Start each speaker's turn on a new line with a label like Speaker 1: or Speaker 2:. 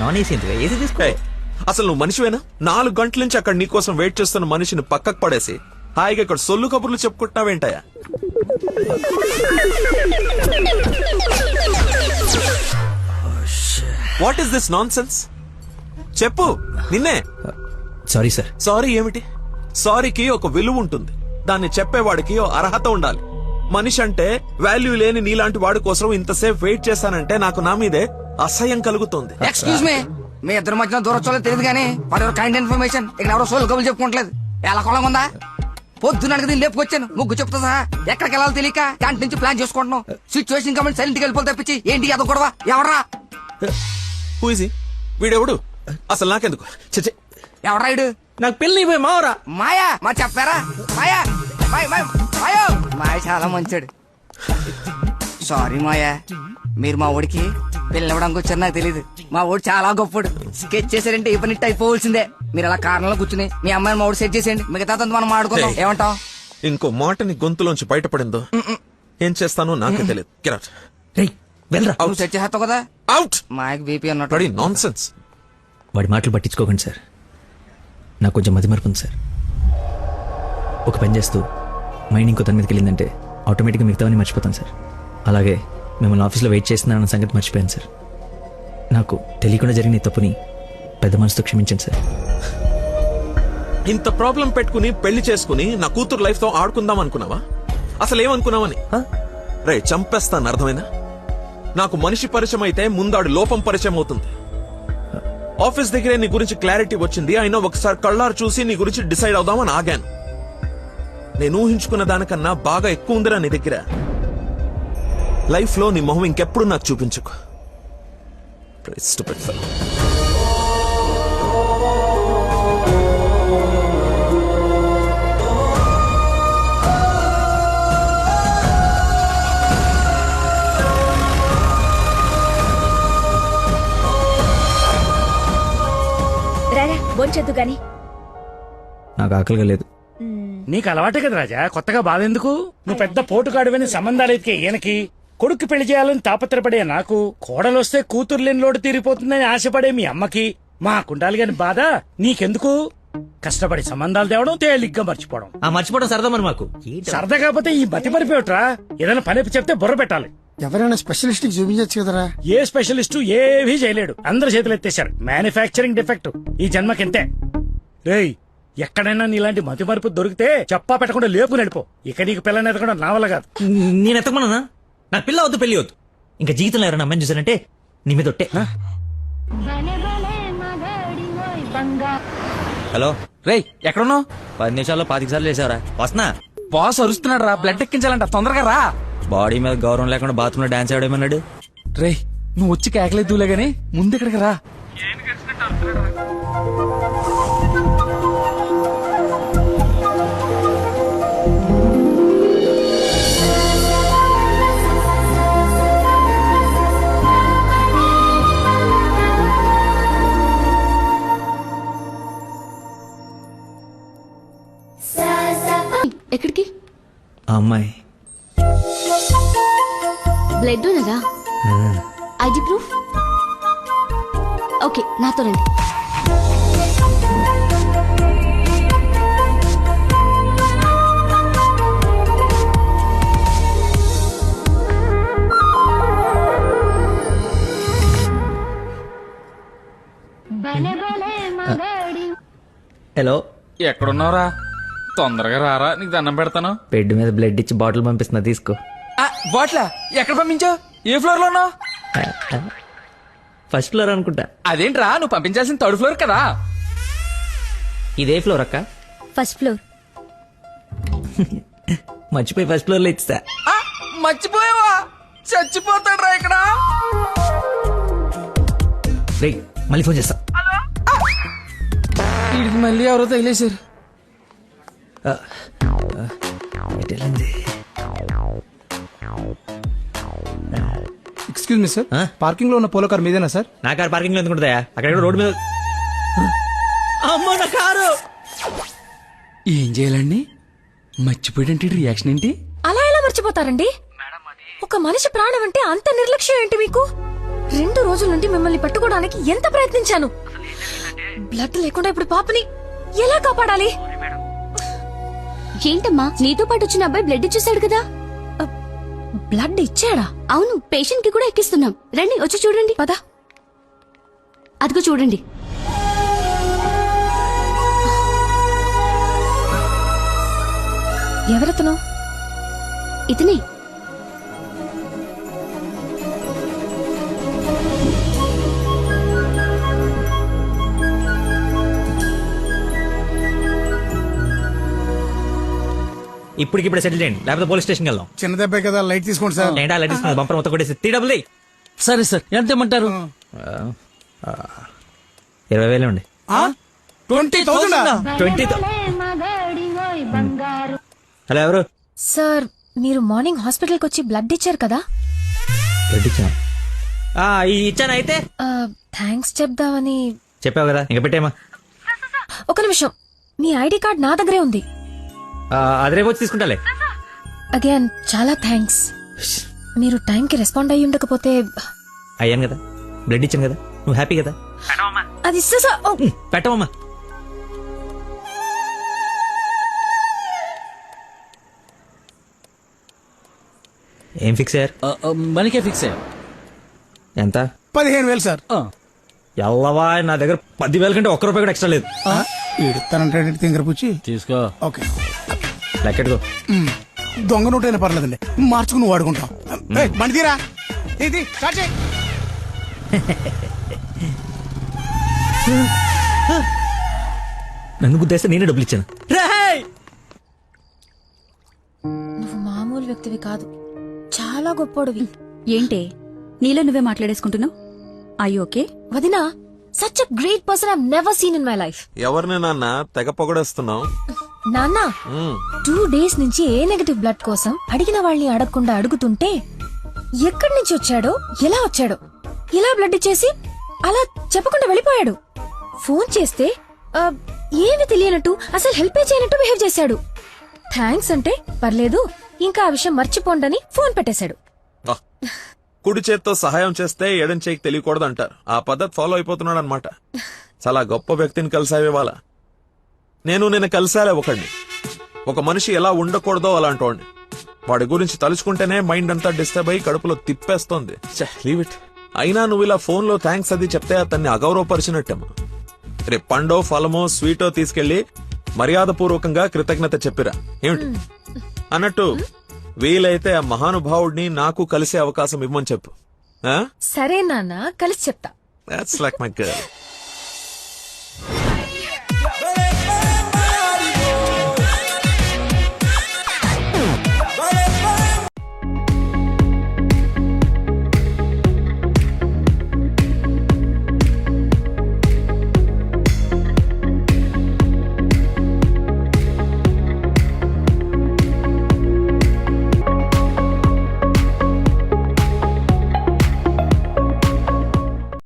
Speaker 1: Non AC ఎందుకు? AC తీసుకో.
Speaker 2: అసలు నువ్వు మనిషివేనా? 4 గంటల నుంచి అక్కడ నీకోసం వెయిట్ చేస్తున్న మనిషిని పక్కకు పడేసి హాయిగా ఇక్కడ సొల్లు కబుర్లు చెప్పుకుంటున్నావేంటయా? What is this nonsense? చెప్పు, నిన్నే.
Speaker 1: Sorry sir.
Speaker 2: సారీ ఏమిటి? సారీకి ఒక విలువ ఉంటుంది, దాన్ని చెప్పేవాడికి ఓ అర్హత ఉండాలి. మనిషి అంటే వాల్యూ లేని నీలాంటి వాడి కోసం ఇంతసేపు వెయిట్ చేశానంటే నాకు నా మీదే అసహ్యం కలుగుతుంది.
Speaker 3: ఎక్స్క్యూజ్ మీ ఇద్దరు మధ్యన దూరం చూడలేదు తెలియదు కానీ ఫర్ యువర్ కైండ్ ఇన్ఫర్మేషన్ ఇక్కడ ఎవరో సోల్ కబులు చెప్పుకోవట్లేదు. ఎలా కొలం ఉందా? పొద్దున దీన్ని లేపుకొచ్చాను, ముగ్గు చెప్తా సహా. ఎక్కడికి వెళ్ళాలో తెలియక క్యాంటీన్ నుంచి ప్లాన్ చేసుకుంటున్నాం. సిచ్యువేషన్ కాబట్టి సైలెంట్ గా వెళ్ళిపోతే తప్పించి ఏంటి అదో గొడవ? ఎవరా
Speaker 2: వీడెవడు? అసలు నాకెందుకు? చచ్చే,
Speaker 3: ఎవరా ఇడు?
Speaker 1: నాకు పెళ్లి మావరా.
Speaker 3: మాయా మా చెప్పారా? మాయా మాయా మాయ చాలా మంచాడు. సారీ మాయా, మీరు మా ఊడికి పెళ్ళివ్వడానికి వచ్చారు నాకు తెలియదు. మా ఊడు చాలా గొప్పడు. స్కెచ్ చేశారంటే ఈ పని అయిపోవలసిందే. మీరు అలా కారణంలో కూర్చుని మీ అమ్మాయిని మా ఊడు సెట్ చేసేయండి, మిగతా మనం మాడుకుందాం. ఏమంటావ్?
Speaker 2: ఇంకో మాట నీ గొంతులోంచి బయటపడిందో ఏం చేస్తానో నాకే తెలియదు.
Speaker 3: నువ్వు సెట్ చేస్తావు కదా.
Speaker 2: అవుట్.
Speaker 3: మాయకు బీపీ అన్నట్టు
Speaker 2: నాన్ సెన్స్.
Speaker 1: వాడి మాటలు పట్టించుకోకండి సార్, నాకు కొంచెం మతిమరుపు ఉంది సార్. ఒక పని చేస్తూ మైండ్ ఇంకో తన మీదకి వెళ్ళిందంటే ఆటోమేటిక్గా మిగతావన్నీ మర్చిపోతాను సార్. అలాగే మిమ్మల్ని ఆఫీస్లో వెయిట్ చేస్తున్నానన్న సంగతి మర్చిపోయాను సార్. నాకు తెలియకుండా జరిగిన ఈ తప్పుని పెద్ద మనసుతో క్షమించండి సార్.
Speaker 2: ఇంత ప్రాబ్లం పెట్టుకుని పెళ్లి చేసుకుని నా కూతురు లైఫ్ తో ఆడుకుందాం అనుకున్నావా? అసలు ఏమనుకున్నావని? రే చంపేస్తాను, అర్థమైనా? నాకు మనిషి పరిచయం అయితే ముందాడు లోపం పరిచయం అవుతుంది. ఆఫీస్ దగ్గరే నీ గురించి క్లారిటీ వచ్చింది, అయినా ఒకసారి కళ్ళారు చూసి నీ గురించి డిసైడ్ అవుదామని ఆగాను. నేను ఊహించుకున్న దానికన్నా బాగా ఎక్కువ ఉందిరా నీ దగ్గర. లైఫ్ లో నీ మొహం ఇంకెప్పుడు నాకు చూపించుకో.
Speaker 4: రారా బొంచొద్దు గాని.
Speaker 1: నాకు ఆకలిగా లేదు.
Speaker 5: నీకు అలవాటే కదా రాజా, కొత్తగా బాధ ఎందుకు? నువ్వు పెద్ద పోటుగాడువని సంబంధాలు ఎత్తికే ఈయనకి, కొడుకు పెళ్లి చేయాలని తాపత్రపడే నాకు, కోడలొస్తే కూతురు లేని లోటు తీరిపోతుందని ఆశపడే మీ అమ్మకి, మా కుండాలి గాని బాధ నీకెందుకు? కష్టపడి సంబంధాలు తేవడం, తేలిగ్గా మర్చిపోవడం.
Speaker 1: ఆ మర్చిపోవడం సరదా మరి మాకు.
Speaker 5: సరదా కాకపోతే ఈ మతి పరిపోయట్రా. ఏదైనా పని చెప్తే బుర్ర పెట్టాలి.
Speaker 6: ఎవరైనా స్పెషలిస్ట్ చూపించచ్చు కదరా.
Speaker 5: ఏ స్పెషలిస్టు ఏవీ చేయలేడు, అందరు చేతులు ఎత్తేశారు. మ్యానుఫ్యాక్చరింగ్ డిఫెక్ట్ ఈ జన్మకింతే. రేయ్, ఎక్కడైనా నీలాంటి మతి మరుపు దొరికితే చెప్పా పెట్టకుండా లేపు నడిపో. ఇక నీకు పిల్లని ఎదగడం నా వల్ల కాదు.
Speaker 1: నేను ఎత్తకమన్నా? నాకు పిల్ల వద్దు, పెళ్లి వద్దు. ఇంకా జీవితంలో ఎవరైనా అమ్మాయిని చూసానంటే నీ మీద ఒట్టే. హలో
Speaker 3: రేయ్, ఎక్కడున్నావు?
Speaker 1: 10 నిమిషాల్లో 25 సార్లు వేసావరా? వస్తున్నా.
Speaker 3: బాస్ అరుస్తున్నాడు రా, బ్లడ్ ఎక్కించాలంట, తొందరగా రా.
Speaker 1: బాడీ మీద గౌరవం లేకుండా బాత్రూమ్ లో డాన్స్ ఆడేమన్నాడు.
Speaker 3: రేయ్, నువ్వు వచ్చి కేకలేదులే గానీ ముందు ఇక్కడికి రా.
Speaker 4: ఎక్కడికి?
Speaker 1: ఆ అమ్మాయి
Speaker 4: బ్లడ్ ఉన్నదా? ID proof? ఓకే, నాతో రండి.
Speaker 1: హలో,
Speaker 3: ఎక్కడున్నావురా? తొందరగా రారా, నీకు దండం పెడతాను.
Speaker 1: బెడ్ మీద బ్లడ్ ఇచ్చి బాటిల్ పంపిస్తున్నా, తీసుకో.
Speaker 3: బాట్లా ఎక్కడ పంపించావు? ఏ ఫ్లోర్ లో ఉన్నావు?
Speaker 1: ఫస్ట్ ఫ్లోర్ అనుకుంటా.
Speaker 3: అదేంట్రా, నువ్వు పంపించాల్సిన 3rd ఫ్లోర్ కదా.
Speaker 1: ఇదే ఫ్లోర్ అక్క?
Speaker 4: First floor.
Speaker 1: మర్చిపోయి ఫస్ట్ ఫ్లోర్ లో ఇచ్చా.
Speaker 3: మర్చిపోయావా? చచ్చిపోతాడ్రా ఇక్కడ.
Speaker 1: రేయ్, మళ్ళీ ఫోన్ చేస్తా.
Speaker 3: వీడికి మళ్ళీ ఎవరో తగిలేశారు.
Speaker 6: ఎక్స్క్యూజ్ మీ సార్, పార్కింగ్ లో ఉన్న పోలో కార్ మీదేనా సార్?
Speaker 1: నా కారు పార్కింగ్ లో ఎందుకుంటుందా? అక్కడ రోడ్డు మీద. అమ్మో నా కారు!
Speaker 3: ఏం చేయాలండి? మర్చిపోయాడంటే రియాక్షన్ ఏంటి?
Speaker 4: అలా ఎలా మర్చిపోతారండి? ఒక మనిషి ప్రాణం అంటే అంత నిర్లక్ష్యం ఏంటి మీకు?
Speaker 7: 2 రోజుల నుండి మిమ్మల్ని పట్టుకోవడానికి ఎంత ప్రయత్నించాను. బ్లడ్ లేకుండా ఇప్పుడు పాపని ఎలా కాపాడాలి?
Speaker 4: ఏంటమ్మా, నీతో పాటు వచ్చిన అబ్బాయి బ్లడ్ ఇచ్చేసాడు కదా.
Speaker 7: బ్లడ్ ఇచ్చాడా?
Speaker 4: అవును, పేషెంట్ కి కూడా ఎక్కిస్తున్నాం. రండి, వచ్చి చూడండి.
Speaker 7: పద.
Speaker 4: అదిగో చూడండి.
Speaker 7: ఎవరతను?
Speaker 4: ఇతనే.
Speaker 1: ఇప్పటికిప్పుడు సెటిల్ చేయండి, లేకపోతే పోలీస్ స్టేషన్కి వెళ్దాం.
Speaker 6: చిన్న దెబ్బే కదా, లైట్ తీసుకోండి సార్.
Speaker 1: ఏంటా అలా తీసుకున్నది? బంపర్ మొత్తం కొట్టేసి 3 డబ్బులు.
Speaker 8: సరే సార్, ఎంత ఇమ్మంటారు?
Speaker 1: 20,000 ఉండి.
Speaker 6: 20,000
Speaker 1: 20. హలో, ఎవరు?
Speaker 7: సార్, మీరు మార్నింగ్ హాస్పిటల్కి వచ్చి బ్లడ్ ఇచ్చారు కదా.
Speaker 1: బ్లడ్ ఇచ్చాను. ఇచ్చాను. అయితే
Speaker 7: థ్యాంక్స్ చెప్దామని.
Speaker 1: చెప్పావు కదా, ఇంకా పెట్టేమా.
Speaker 7: ఒక నిమిషం, మీ ఐడి కార్డ్ నా దగ్గరే ఉంది.
Speaker 1: అది రేపు వచ్చి తీసుకుంటాలే.
Speaker 7: అగైన్ చాలా థ్యాంక్స్. మీరు టైంకి రెస్పాండ్ అయ్యి ఉండకపోతే.
Speaker 1: అయ్యాను కదా, బ్లడ్ ఇచ్చాను కదా, నువ్వు హ్యాపీ కదా.
Speaker 7: అది ఇస్తే సార్. ఓ,
Speaker 1: పెట్టవమ్మా. ఏం ఫిక్స్ అయ్యారు?
Speaker 8: మనకే ఫిక్స్ అయ్యా.
Speaker 1: ఎంత?
Speaker 6: 15,000 సార్.
Speaker 1: ఎల్లవా, నా దగ్గర 10,000 కంటే ₹1 కూడా ఎక్స్ట్రా లేదు.
Speaker 6: ఇడతానంటే తింగర పుచ్చి
Speaker 8: తీసుకో.
Speaker 6: ఓకే.
Speaker 1: లెక్కెట్టుకో.
Speaker 6: దొంగ నోటైనా పర్లేదండి, మార్చుకుని నువ్వు వాడుకుంటాం. బండి తీరా, ఇది స్టార్ట్ చేయి.
Speaker 1: నన్ను గుద్దేస్తే నేనే డబ్బులు ఇచ్చాను.
Speaker 7: నువ్వు మామూలు వ్యక్తివి కాదు, చాలా గొప్పోడివి.
Speaker 4: ఏంటే నీలో నువ్వే మాట్లాడేసుకుంటున్నావు? I okay?
Speaker 7: వదినా, such a great person I never seen in my life.
Speaker 2: ఎవరిని నాన్న తెగ పొగడేస్తున్నావు?
Speaker 7: నాన్న, 2 days నుంచి ఏ నెగటివ్ బ్లడ్ కోసం అడిగిన వాళ్ళని అడగకుండా అడుగుతుంటే ఎక్కడి నుంచి వచ్చాడో, ఎలా వచ్చాడో, ఇలా బ్లడ్ ఇచ్చేసి అలా చెప్పకుండా వెళ్ళిపోయాడు. ఫోన్ చేస్తే ఏమి తెలియనట్టు, అసలు హెల్ప్ చేయనట్టు బిహేవ్ చేశాడు. థ్యాంక్స్ అంటే పర్లేదు, ఇంకా ఆ విషయం మర్చిపోండని ఫోన్ పెట్టేశాడు.
Speaker 2: కుడి చేత్తో సహాయం చేస్తే ఎడం చేయికి తెలియకూడదు అంటారు. ఆ పద్ధతి ఫాలో అయిపోతున్నాడు అనమాట. చాలా గొప్ప వ్యక్తిని కలిసావే వాళ్ళ. నేను కలిసాలే ఒకడిని. ఒక మనిషి ఎలా ఉండకూడదో అలాంటి వాడిని. వాడి గురించి తలుచుకుంటేనే మైండ్ అంతా డిస్టర్బ్ అయ్యి కడుపులో తిప్పేస్తోంది. Leave it. అయినా నువ్వు ఇలా ఫోన్ లో థ్యాంక్స్ అది చెప్తే అతన్ని అగౌరవపరిచినట్టేమో. రేపు పండో ఫలమో స్వీటో తీసుకెళ్లి మర్యాదపూర్వకంగా కృతజ్ఞత చెప్పిరా. ఏమిటి అన్నట్టు, వీలైతే ఆ మహానుభావుడిని నాకు కలిసే అవకాశం ఇవ్వమని చెప్పు.
Speaker 7: సరే నాన్న, కలిసి చెప్తా.
Speaker 2: That's like my girl.